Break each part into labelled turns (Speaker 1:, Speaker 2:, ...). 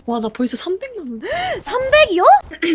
Speaker 1: 와, 나 벌써 300 남았네.
Speaker 2: 300이요?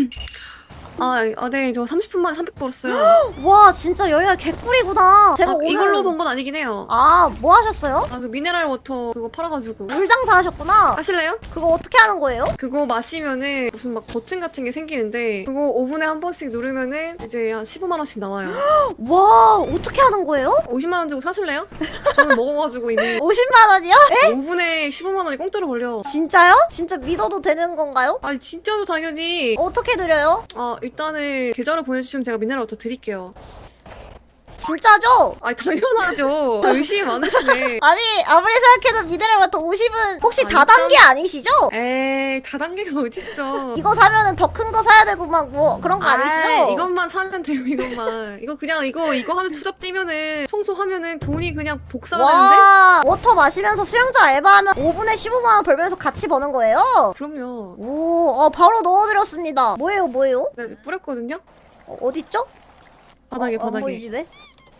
Speaker 1: 네, 저 30분 만에 300 벌었어요.
Speaker 2: 와 진짜 여기가 개꿀이구나. 제가 오늘
Speaker 1: 이걸로 번 건 아니긴 해요.
Speaker 2: 뭐 하셨어요?
Speaker 1: 그 미네랄 워터 그거 팔아가지고.
Speaker 2: 물장사 하셨구나.
Speaker 1: 하실래요?
Speaker 2: 그거 어떻게 하는 거예요?
Speaker 1: 그거 마시면은 무슨 막 버튼 같은 게 생기는데 그거 5분에 한 번씩 누르면은 이제 한 15만원씩 나와요.
Speaker 2: 와 어떻게 하는 거예요?
Speaker 1: 50만원 주고 사실래요? 저는 먹어가지고 이미
Speaker 2: 50만 원이요?
Speaker 1: 5분에 15만원이 공짜로 걸려.
Speaker 2: 진짜요? 진짜 믿어도 되는 건가요?
Speaker 1: 아니 진짜로 당연히.
Speaker 2: 어떻게 드려요?
Speaker 1: 일단은 계좌로 보내주시면 제가 미네랄 워터 드릴게요.
Speaker 2: 진짜죠?
Speaker 1: 당연하죠. 의심이 많으시네.
Speaker 2: 아니 아무리 생각해도 미네랄 워터 50은 혹시 다단계 아니시죠?
Speaker 1: 에이, 다단계가 어딨어.
Speaker 2: 이거 사면은 더 큰 거 사야 되고 막 뭐 그런 거 아니시죠?
Speaker 1: 이것만 사면 돼요, 이것만. 이거 그냥 이거 하면서 투잡 뛰면은 청소하면은 돈이 그냥 복사가 되는데?
Speaker 2: 와 워터 마시면서 수영장 알바하면 5분에 15만 원 벌면서 같이 버는 거예요?
Speaker 1: 그럼요.
Speaker 2: 오 바로 넣어드렸습니다. 뭐예요?
Speaker 1: 네, 뿌렸거든요?
Speaker 2: 어딨죠?
Speaker 1: 바닥에.
Speaker 2: 안 보이지 왜?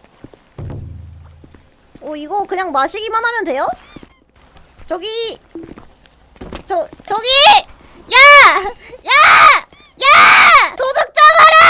Speaker 2: 이거 그냥 마시기만 하면 돼요? 저기 야! 도둑 잡아라!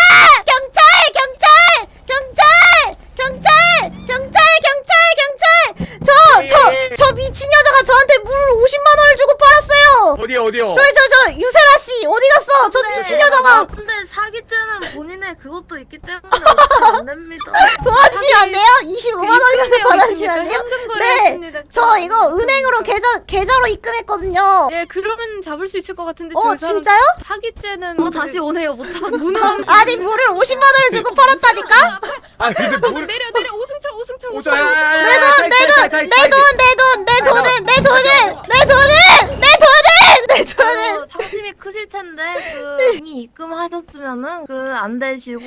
Speaker 2: 저 미친 여자가 저한테 물을 50만 원을 주고 팔았어요!
Speaker 3: 어디요?
Speaker 2: 저 유세라씨 어디 갔어? 저 미친 여자가
Speaker 4: 근데 사기죄는 본인의 그것도 있기 때문에 어떻게 안 됩니다.
Speaker 2: 도와주시면 안 돼요? 25만 원이라도 받아주시면 안 돼요? 네! 저 이거 은행으로 계좌로 입금했거든요.
Speaker 5: 예, 그러면 잡을 수 있을 것 같은데.
Speaker 2: 진짜요?
Speaker 5: 사기죄는
Speaker 4: 다시 오네요. 못 잡았는데.
Speaker 5: 무능.
Speaker 2: 아니 물을 50만 원을 주고 팔았다니까?
Speaker 3: 아 근데 물
Speaker 5: 내려 오승철.
Speaker 2: 내 돈은!
Speaker 4: 상심이 크실 텐데 이미 입금하셨으면은 안 되시고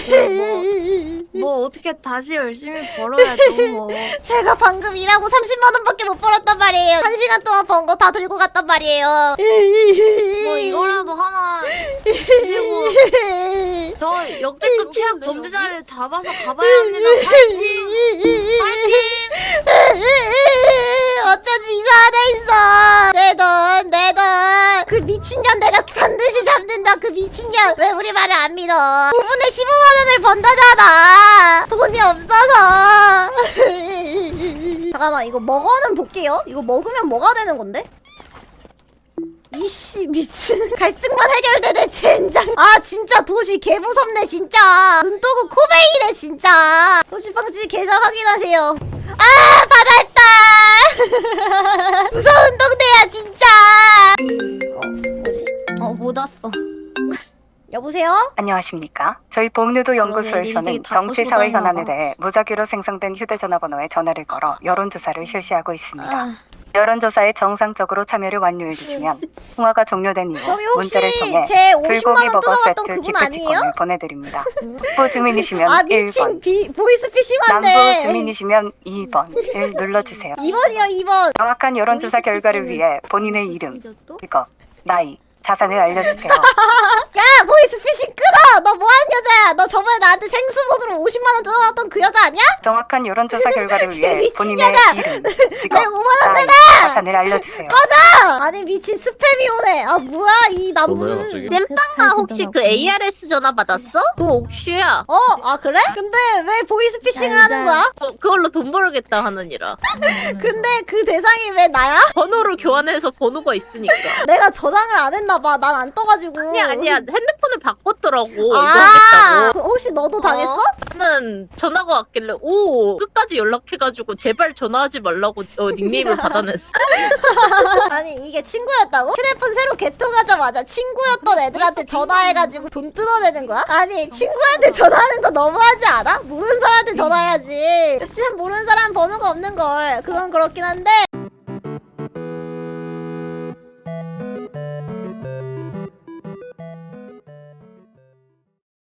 Speaker 4: 뭐 어떻게 다시 열심히 벌어야죠 뭐.
Speaker 2: 제가 방금 일하고 30만 원밖에 못 벌었단 말이에요. 1시간 동안 번 거 다 들고 갔단 말이에요.
Speaker 4: 뭐 이거라도 하나 드시고 저 역대급 최악 범죄자를 다 봐서 가봐야 합니다. 파이팅!
Speaker 2: 어쩐지 이상하다 있어. 내 돈. 그 미친년 내가 반드시 잡는다. 그 미친년. 왜 우리 말을 안 믿어? 5분에 15만 원을 번다잖아. 돈이 없어서. 잠깐만 이거 먹어는 볼게요. 이거 먹으면 뭐가 되는 건데? 이씨 미친 갈증만 해결되네 젠장. 진짜 도시 개무섭네 진짜. 눈도구 코베이네 진짜. 도시방지 계좌 확인하세요. 받았다. 무서운 동네야 진짜. 뭐지?
Speaker 4: 못 왔어.
Speaker 2: 여보세요?
Speaker 6: 안녕하십니까. 저희 복류도 연구소에서는
Speaker 4: 일일이 다
Speaker 6: 정치사회
Speaker 4: 꼬집어다니나
Speaker 6: 현안에
Speaker 4: 봐.
Speaker 6: 대해 무작위로 생성된 휴대전화번호에 전화를 걸어 여론조사를 실시하고 있습니다.
Speaker 4: 아.
Speaker 6: 여론조사에 정상적으로 참여를 완료해주시면 통화가 종료된 이후
Speaker 2: 저기
Speaker 6: 문자를
Speaker 2: 혹시
Speaker 6: 통해
Speaker 2: 제 50만
Speaker 6: 불고기
Speaker 2: 원
Speaker 6: 버거
Speaker 2: 뜯어갔던
Speaker 6: 세트
Speaker 2: 그분 아니에요?
Speaker 6: 기프티콘을 보내드립니다. 북부 주민이시면
Speaker 2: 미친
Speaker 6: 1번,
Speaker 2: 보이스피싱
Speaker 6: 남부
Speaker 2: 한데.
Speaker 6: 주민이시면 2번을 눌러주세요.
Speaker 2: 2번이요 2번.
Speaker 6: 정확한 여론조사 결과를 위해 본인의 이름, 직업, 나이, 자산을 알려주세요.
Speaker 2: 야 보이스피싱 끊어. 너 뭐하는 여자야? 너 저번에 나한테 생수돈으로 50만 원 뜯어놨던 그 여자 아니야?
Speaker 6: 정확한 여론조사 결과를 위해
Speaker 2: 미친
Speaker 6: 본인의
Speaker 2: 여자!
Speaker 6: 이름,
Speaker 2: 내
Speaker 6: 직업,
Speaker 2: 5만 원
Speaker 6: 나이,
Speaker 2: 내놔!
Speaker 6: 자산을 알려주세요.
Speaker 2: 아니 미친 스팸이 오네. 뭐야 이
Speaker 3: 뭐야,
Speaker 2: 남부.
Speaker 3: 갑자기?
Speaker 7: 잼빵아 혹시 그 ARS 전화 받았어? 그거 옥슈야.
Speaker 2: 그래? 근데 왜 보이스피싱을 하는 거야?
Speaker 7: 그걸로 돈 벌겠다 하느니라.
Speaker 2: 근데 그 대상이 왜 나야?
Speaker 7: 번호를 교환해서 번호가 있으니까.
Speaker 2: 내가 저장을 안 했나 봐. 난 안 떠가지고.
Speaker 7: 아니야. 핸드폰을 바꿨더라고. 이거
Speaker 2: 아,
Speaker 7: 하겠다고.
Speaker 2: 혹시 너도 당했어?
Speaker 7: 나는 전화가 왔길래 끝까지 연락해가지고 제발 전화하지 말라고 닉네임을 받아냈어.
Speaker 2: 아니 이게 친구였다고? 휴대폰 새로 개통하자마자 친구였던 애들한테 전화해가지고 돈 뜯어내는 거야? 아니 친구한테 전화하는 거 너무하지 않아? 모르는 사람한테 전화해야지. 지금 모르는 사람 번호가 없는 걸. 그건 그렇긴 한데